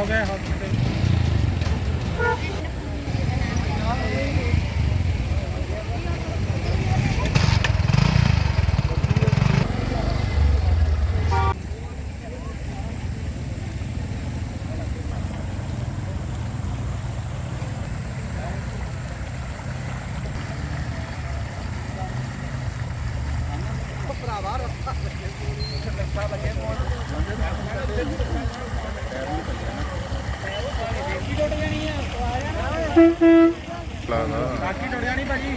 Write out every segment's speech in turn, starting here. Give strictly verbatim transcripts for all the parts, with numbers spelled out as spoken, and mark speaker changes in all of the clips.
Speaker 1: ਹੋ ਗਏ ਹਸਪੀਟਲ। बाकी टुट जानी भाजी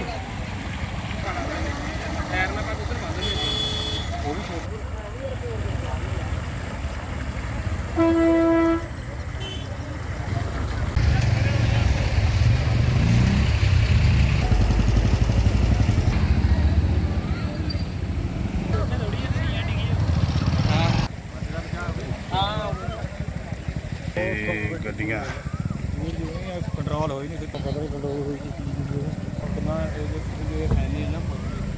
Speaker 1: टायर में उधर बंद वो भी
Speaker 2: गड्डियां
Speaker 1: कंट्रोल हो ही नहीं पता नहीं कंट्रोल हुई कितना है नहीं ना।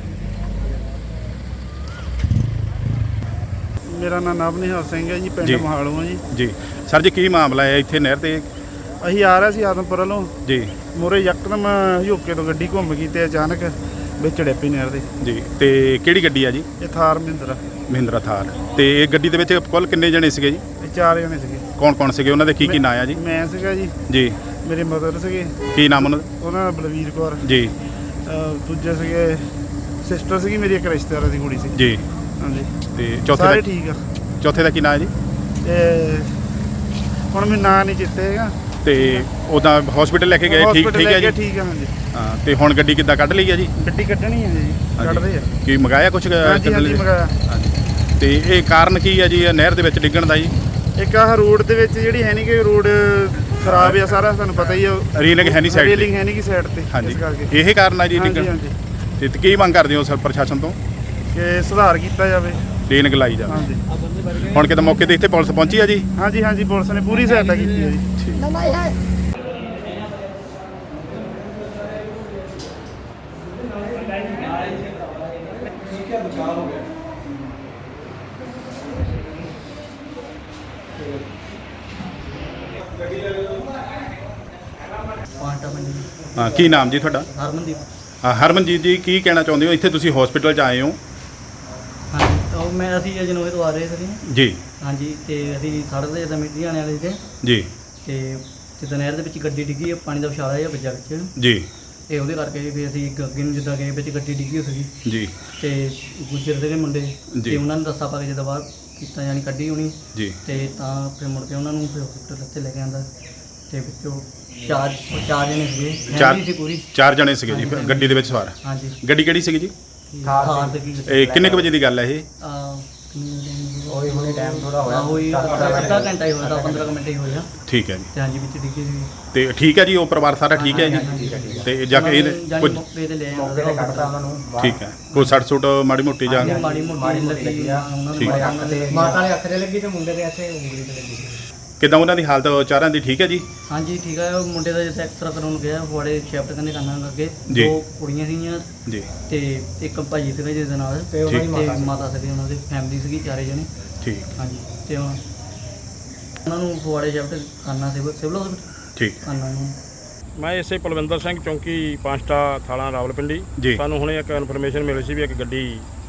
Speaker 3: मेरा नाम नवनिहाल सिंह है जी, पिंड महालों है जी।
Speaker 2: जी सर जी की मामला है इत्थे नहर ते?
Speaker 3: ਅਸੀਂ ਆ ਰਹੇ ਸੀ ਆਦਮਪੁਰ ਵੱਲੋਂ
Speaker 2: जी
Speaker 3: ਮੂਹਰੇ ਯਕਦਮ ਹਿਓਕੇ ਤੋਂ ਗੱਡੀ ਘੁੰਮ ਗਈ ਤੇ ਅਚਾਨਕ ਵਿੱਚ ਡਿੱਪੀ ਨਹਿਰ ਦੇ।
Speaker 2: जी ਤੇ ਕਿਹੜੀ ਗੱਡੀ ਆ ਜੀ?
Speaker 3: ਇਹ ਥਾਰ ਮਹਿੰਦਰਾ
Speaker 2: ਮਹਿੰਦਰਾ ਥਾਰ। ਤੇ ਇਹ ਗੱਡੀ ਦੇ ਵਿੱਚ ਕੁੱਲ ਕਿੰਨੇ ਜਣੇ ਸੀਗੇ ਜੀ?
Speaker 3: ਇਹ ਚਾਰ ਜਣੇ ਸੀਗੇ।
Speaker 2: ਕੌਣ ਕੌਣ ਸੀਗੇ, ਉਹਨਾਂ ਦੇ ਕੀ ਕੀ ਨਾਂ ਆ ਜੀ?
Speaker 3: ਮੈਂ ਸੀਗਾ ਜੀ,
Speaker 2: ਜੀ
Speaker 3: ਮੇਰੇ ਮਦਰ ਸੀਗੇ,
Speaker 2: ਕੀ ਨਾਮ ਉਹਨਾਂ ਦਾ?
Speaker 3: ਉਹਨਾਂ ਦਾ ਬਲਵੀਰ ਕੌਰ
Speaker 2: ਜੀ
Speaker 3: ਅਹ ਦੂਜੇ ਸੀਗੇ ਸਿਸਟਰ ਸੀਗੀ ਮੇਰੀ, ਇੱਕ ਰਿਸ਼ਤੇਦਾਰਾਂ ਦੀ ਕੁੜੀ ਸੀ
Speaker 2: ਜੀ।
Speaker 3: ਹਾਂਜੀ
Speaker 2: ਤੇ ਚੌਥੇ
Speaker 3: ਸਾਰੇ
Speaker 2: ਦਾ
Speaker 3: ਠੀਕ ਆ।
Speaker 2: ਚੌਥੇ ਦਾ ਕੀ ਨਾਂ ਹੈ ਜੀ?
Speaker 3: ਤੇ ਹੁਣ ਮੈਨੂੰ ਨਾਂ ਨਹੀਂ ਚੇਤੇ ਹੈਗਾ।
Speaker 2: ਤੇ ਉਹਦਾ ਹਸਪੀਟਲ ਲੈ ਕੇ ਗਏ? ਠੀਕ ਠੀਕ ਹੈ ਜੀ।
Speaker 3: ਠੀਕ ਆ ਹਾਂਜੀ।
Speaker 2: ਹਾਂ ਤੇ ਹੁਣ ਗੱਡੀ ਕਿੱਦਾਂ ਕੱਢ ਲਈ ਆ ਜੀ?
Speaker 3: ਗੱਡੀ ਕੱਢਣੀ ਹੈ ਜੀ, ਕੱਢਦੇ ਆ।
Speaker 2: ਕੀ ਮੰਗਾਇਆ ਕੁਛ?
Speaker 3: ਹਾਂਜੀ ਹਾਂਜੀ ਮੰਗਾਇਆ।
Speaker 2: ਤੇ ਇਹ ਕਾਰਨ ਕੀ ਆ ਜੀ ਨਹਿਰ ਦੇ ਵਿੱਚ ਡਿੱਗਣ ਦਾ ਜੀ?
Speaker 3: ਇੱਕ ਆਹ ਰੋਡ ਦੇ ਵਿੱਚ ਜਿਹੜੀ ਹੈ ਨਹੀਂ ਕਿ ਰੋਡ ਖਰਾਬ ਆ ਸਾਰਾ, ਤੁਹਾਨੂੰ ਪਤਾ ਹੀ ਆ।
Speaker 2: ਰੀਲਿੰਗ ਹੈ ਨਹੀਂ ਸਾਈਡ ਤੇ?
Speaker 3: ਰੀਲਿੰਗ ਹੈ ਨਹੀਂ ਕਿ ਸਾਈਡ ਤੇ,
Speaker 2: ਹਾਂਜੀ
Speaker 3: ਇਸ ਕਰਕੇ
Speaker 2: ਇਹ ਕਾਰਨ ਆ ਜੀ
Speaker 3: ਹਾਂਜੀ
Speaker 2: ਡਿੱਗਣ।
Speaker 3: ਹਾਂਜੀ
Speaker 2: ਤੇ ਕੀ ਮੰਗ ਕਰਦੇ ਹੋ ਸਰ ਪ੍ਰਸ਼ਾਸਨ ਤੋਂ?
Speaker 3: ਕਿ ਸੁਧਾਰ ਕੀਤਾ ਜਾਵੇ,
Speaker 2: ਰੀਲਿੰਗ ਲਾਈ ਜਾਵੇ।
Speaker 3: ਹਾਂਜੀ
Speaker 2: ਹੁਣ ਕਿਤੇ ਮੌਕੇ ਤੇ ਇੱਥੇ ਪੁਲਿਸ ਪਹੁੰਚੀ ਆ ਜੀ?
Speaker 3: ਹਾਂਜੀ ਹਾਂਜੀ ਪੁਲਿਸ ਨੇ ਪੂਰੀ ਸਹਾਇਤਾ ਕੀਤੀ ਹੈ ਜੀ।
Speaker 2: ਹਾਂ ਕੀ ਨਾਮ ਜੀ ਤੁਹਾਡਾ?
Speaker 4: ਹਰਮਨਦੀਪ।
Speaker 2: ਹਾਂ ਹਰਮਨਜੀਤ ਜੀ, ਕੀ ਕਹਿਣਾ ਚਾਹੁੰਦੇ ਹੋ? ਇੱਥੇ ਤੁਸੀਂ ਹਸਪੀਟਲ 'ਚ ਆਏ ਹੋ?
Speaker 4: ਹਾਂਜੀ ਉਹ ਮੈਂ ਅਸੀਂ ਅਜਨੋਏ ਤੋਂ ਆ ਰਹੇ ਸੀ
Speaker 2: ਜੀ
Speaker 4: ਹਾਂਜੀ। ਤੇ ਅਸੀਂ ਸੜਕ ਤੇ ਜਿੱਦਾਂ ਮਿੱਟੀ ਆਣੇ ਵਾਲੇ ਸੀ
Speaker 2: ਜੀ।
Speaker 4: ਤੇ ਜਿੱਦਾਂ ਨਹਿਰ ਦੇ ਵਿੱਚ ਗੱਡੀ ਡਿੱਗੀ, ਪਾਣੀ ਦਾ ਵਿਛਾਲਾ ਜਿਹਾ ਵੱਜਾ ਵਿੱਚ
Speaker 2: ਜੀ
Speaker 4: ਤੇ ਉਹਦੇ ਕਰਕੇ ਫਿਰ ਅਸੀਂ ਇੱਕ ਅੱਗੇ ਨੂੰ ਜਿੱਦਾਂ ਗਏ ਵਿੱਚ ਗੱਡੀ ਡਿੱਗੀ ਸੀਗੀ
Speaker 2: ਜੀ।
Speaker 4: ਤੇ ਗੁੱਜਰ ਦੇ ਮੁੰਡੇ
Speaker 2: ਜੀ।
Speaker 4: ਤੇ ਉਹਨਾਂ ਨੇ ਦੱਸਾ ਪਾ ਕੇ ਜਿੱਦਾਂ ਬਾਹਰ ਕੀਤਾ ਯਾਨੀ ਕੱਢੀ ਹੋਣੀ
Speaker 2: ਜੀ।
Speaker 4: ਤੇ ਤਾਂ ਫਿਰ ਮੁੜ ਕੇ ਉਹਨਾਂ ਨੂੰ ਫਿਰ ਹਸਪੀਟਲ ਉੱਤੇ ਲੈ ਕੇ ਆਂਦਾ ਤੇ ਵਿੱਚੋਂ ਚਾਰ ਚਾਰ ਜਣੇ ਸੀਗੇ,
Speaker 2: ਚਾਰ
Speaker 4: ਫੈਮਿਲੀ ਸੀ ਪੂਰੀ।
Speaker 2: ਚਾਰ ਜਣੇ ਸੀਗੇ ਜੀ ਗੱਡੀ ਦੇ ਵਿੱਚ ਸਵਾਰ?
Speaker 4: ਹਾਂਜੀ।
Speaker 2: ਗੱਡੀ ਕਿਹੜੀ ਸੀਗੀ ਜੀ?
Speaker 4: ਥਾਰ ਤੇ ਕੀ
Speaker 2: ਇਹ ਕਿੰਨੇ ਕੁ ਵਜੇ ਦੀ ਗੱਲ ਹੈ ਇਹ?
Speaker 4: ਉਹੀ ਹੁਣੇ ਟਾਈਮ ਥੋੜਾ ਹੋਇਆ, ਉਹੀ ਅੱਧਾ ਘੰਟਾ ਹੀ ਹੋਇਆ, ਪੰਦਰਾਂ ਮਿੰਟ ਹੀ ਹੋਇਆ।
Speaker 2: ਠੀਕ ਹੈ ਜੀ।
Speaker 4: ਤੇ ਹਾਂਜੀ ਵਿੱਚ ਡਿੱਗੀ ਸੀ।
Speaker 2: ਤੇ ਠੀਕ ਹੈ ਜੀ, ਉਹ ਪਰਿਵਾਰ ਸਾਰਾ ਠੀਕ ਹੈ ਜੀ? ਤੇ ਜਾ ਕੇ ਇਹ ਕੁਝ
Speaker 4: ਮੌਕੇ ਤੇ ਲੈ ਆਂਦਾ ਉਹਨਾਂ ਨੂੰ।
Speaker 2: ਠੀਕ ਹੈ, ਕੋਈ ਸੱਟ ਸੁੱਟ ਮਾੜੀ ਮੋਟੀ ਜਾਂ?
Speaker 4: ਮਾੜੀ ਮੋਟੀ ਲੱਗੀ ਆ ਉਹਨਾਂ
Speaker 2: ਠੀਕ।
Speaker 4: ਨੂੰ, ਮਾਤਾ ਦੇ ਅੱਖ ਤੇ ਲੱਗੀ ਤੇ ਮੁੰਡੇ ਦੇ ਇੱਥੇ ਉਂਗਲੀ ਤੇ ਲੱਗੀ।
Speaker 2: ਕਿੱਦਾਂ ਉਹਨਾਂ ਦੀ ਹਾਲਤ ਚਾਰਾਂ ਦੀ ਠੀਕ ਹੈ ਜੀ?
Speaker 4: ਹਾਂਜੀ ਠੀਕ ਹੈ। ਉਹ ਮੁੰਡੇ ਦਾ ਜਿੱਥੇ ਐਕਸਰਾ ਕਰਾਉਣ ਗਿਆ ਫੁਆੜੇ ਸ਼ਿਫਟ ਕਰਨੇ ਕਰਨਾ ਅੱਗੇ।
Speaker 2: ਜੀ।
Speaker 4: ਦੋ ਕੁੜੀਆਂ ਸੀਗੀਆਂ
Speaker 2: ਜੀ
Speaker 4: ਤੇ ਇੱਕ ਭਾਜੀ ਸੀਗਾ ਜਿਹਦੇ ਨਾਲ, ਤੇ ਉਹਨਾਂ ਦੀ ਮਾਤਾ ਸੀਗੀ, ਉਹਨਾਂ ਦੀ ਫੈਮਿਲੀ ਸੀਗੀ ਚਾਰੇ ਜਣੇ।
Speaker 2: ਠੀਕ।
Speaker 4: ਹਾਂਜੀ ਤੇ ਉਹਨਾਂ ਨੂੰ ਫੁਆੜੇ ਸ਼ਿਫਟ ਕਰਨਾ ਸੀ ਸਿਵਲ ਹਸਪੀਟਲ
Speaker 2: ਠੀਕ
Speaker 4: ਕਰਨਾ ਨੂੰ।
Speaker 1: ਮੈਂ ਇਸੇ ਪਲਵਿੰਦਰ ਸਿੰਘ ਚੌਂਕੀ ਪੰਜਟਾ ਥਾਣਾ ਰਾਵਲਪਿੰਡੀ।
Speaker 2: ਜੀ।
Speaker 1: ਸਾਨੂੰ ਹੁਣੇ ਇੱਕ ਇਨਫੋਰਮੇਸ਼ਨ ਮਿਲੀ ਸੀ ਵੀ ਇੱਕ ਗੱਡੀ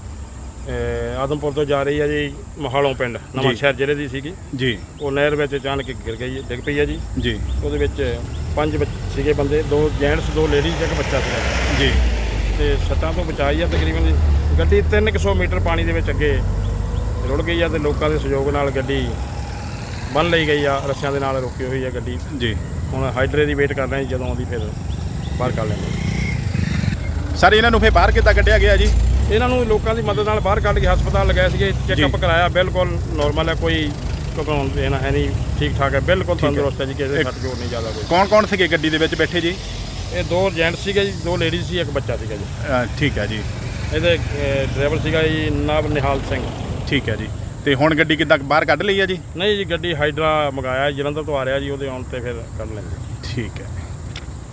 Speaker 1: ਆਦਮਪੁਰ ਤੋਂ ਜਾ ਰਹੀ ਹੈ ਜੀ ਮਹਾਲੋਂ ਪਿੰਡ ਨਵਾਂ ਸ਼ਹਿਰ ਜ਼ਿਲ੍ਹੇ ਦੀ ਸੀਗੀ
Speaker 2: ਜੀ।
Speaker 1: ਉਹ ਨਹਿਰ ਵਿੱਚ ਅਚਾਨਕ ਗਿਰ ਗਈ, ਡਿੱਗ ਪਈ ਹੈ ਜੀ।
Speaker 2: ਜੀ
Speaker 1: ਉਹਦੇ ਵਿੱਚ ਪੰਜ ਬੱਚ- ਸੀਗੇ ਬੰਦੇ, ਦੋ ਜੈਂਟਸ ਦੋ ਲੇਡੀਜ਼, ਇੱਕ ਬੱਚਾ ਸੀਗਾ
Speaker 2: ਜੀ।
Speaker 1: ਤੇ ਸੱਟਾਂ ਤੋਂ ਬਚਾਈ ਆ ਤਕਰੀਬਨ ਜੀ। ਗੱਡੀ ਤਿੰਨ ਕੁ ਸੌ ਮੀਟਰ ਪਾਣੀ ਦੇ ਵਿੱਚ ਅੱਗੇ ਰੁੜ ਗਈ ਆ ਤੇ ਲੋਕਾਂ ਦੇ ਸਹਿਯੋਗ ਨਾਲ ਗੱਡੀ ਬੰਨ੍ਹ ਲਈ ਗਈ ਆ, ਰੱਸਿਆਂ ਦੇ ਨਾਲ ਰੁਕੀ ਹੋਈ ਆ ਗੱਡੀ।
Speaker 2: ਜੀ
Speaker 1: ਹੁਣ ਹਾਈਡਰੇ ਦੀ ਵੇਟ ਕਰ ਰਹੇ ਹਾਂ, ਜਦੋਂ ਆਉਂਦੀ ਫਿਰ ਬਾਹਰ ਕੱਢ ਲੈਂਦੇ।
Speaker 2: ਸਰ ਇਹਨਾਂ ਨੂੰ ਫਿਰ ਬਾਹਰ ਕਿੱਦਾਂ ਕੱਢਿਆ ਗਿਆ ਜੀ?
Speaker 1: ਇਹਨਾਂ ਨੂੰ ਲੋਕਾਂ ਦੀ ਮਦਦ ਨਾਲ ਬਾਹਰ ਕੱਢ ਕੇ ਹਸਪਤਾਲ ਲਗਾਏ ਸੀਗੇ, ਚੈੱਕਅਪ ਕਰਾਇਆ, ਬਿਲਕੁਲ ਨੋਰਮਲ ਹੈ, ਕੋਈ ਘਬਰਾਉਣ ਦੇਣਾ ਹੈ ਨਹੀਂ, ਠੀਕ ਠਾਕ ਹੈ, ਬਿਲਕੁਲ ਤੰਦਰੁਸਤ ਹੈ ਜੀ, ਕਿਸੇ ਦੇ ਸੱਟ ਜੋੜ ਨਹੀਂ ਜ਼ਿਆਦਾ ਕੋਈ।
Speaker 2: ਕੌਣ ਕੌਣ ਸੀਗੇ ਗੱਡੀ ਦੇ ਵਿੱਚ ਬੈਠੇ ਜੀ?
Speaker 1: ਇਹ ਦੋ ਜੈਂਟਸ ਸੀਗੇ ਜੀ, ਦੋ ਲੇਡੀਜ਼ ਸੀ, ਇੱਕ ਬੱਚਾ ਸੀਗਾ ਜੀ।
Speaker 2: ਅ, ਠੀਕ ਹੈ ਜੀ।
Speaker 1: ਇਹਦੇ ਡਰਾਈਵਰ ਸੀਗਾ ਜੀ ਨਵਨਿਹਾਲ ਸਿੰਘ।
Speaker 2: ਠੀਕ ਹੈ ਜੀ। ਤੇ ਹੁਣ ਗੱਡੀ ਕਿੱਦਾਂ ਬਾਹਰ ਕੱਢ ਲਈ ਹੈ ਜੀ?
Speaker 1: ਨਹੀਂ ਜੀ, ਗੱਡੀ ਹਾਈਡਰਾ ਮੰਗਾਇਆ, ਜਲੰਧਰ ਤੋਂ ਆ ਰਿਹਾ ਜੀ, ਉਹਦੇ ਆਉਣ ਤੇ ਫਿਰ ਕੱਢ ਲੈਂਦੇ।
Speaker 2: ਠੀਕ ਹੈ।